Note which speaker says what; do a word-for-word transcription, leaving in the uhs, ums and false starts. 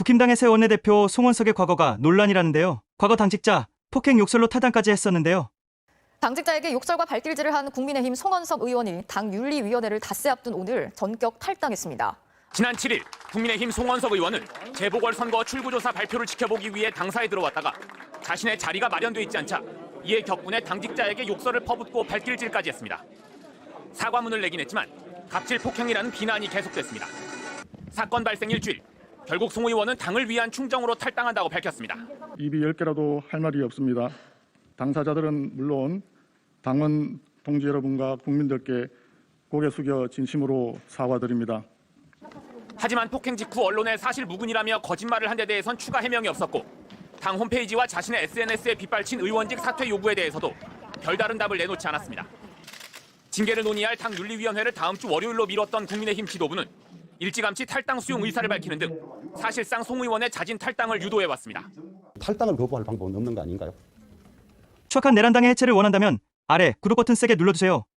Speaker 1: 국힘당의 새 원내대표 송원석의 과거가 논란이라는데요. 과거 당직자 폭행 욕설로 탈당까지 했었는데요.
Speaker 2: 당직자에게 욕설과 발길질을 한 국민의힘 송원석 의원이 당 윤리위원회를 닷새 앞둔 오늘 전격 탈당했습니다.
Speaker 3: 지난 칠 일 국민의힘 송원석 의원은 재보궐선거 출구조사 발표를 지켜보기 위해 당사에 들어왔다가 자신의 자리가 마련돼 있지 않자 이에 격분해 당직자에게 욕설을 퍼붓고 발길질까지 했습니다. 사과문을 내긴 했지만 갑질 폭행이라는 비난이 계속됐습니다. 사건 발생 일주일, 결국 송 의원은 당을 위한 충정으로 탈당한다고 밝혔습니다.
Speaker 4: 입이 열 개라도 할 말이 없습니다. 당사자들은 물론 당원 동지 여러분과 국민들께 고개 숙여 진심으로 사과드립니다.
Speaker 3: 하지만 폭행 직후 언론에 사실 무근이라며 거짓말을 한 데 대해선 추가 해명이 없었고 당 홈페이지와 자신의 에스엔에스에 빗발친 의원직 사퇴 요구에 대해서도 별다른 답을 내놓지 않았습니다. 징계를 논의할 당 윤리위원회를 다음 주 월요일로 미뤘던 국민의힘 지도부는 일찌감치 탈당 수용 의사를 밝히는 등 사실상 송 의원의 자진 탈당을 유도해왔습니다.
Speaker 5: 탈당을 거부할 방법은 없는 거 아닌가요?
Speaker 1: 추악한 내란당의 해체를 원한다면 아래 구독 버튼 세게 눌러주세요.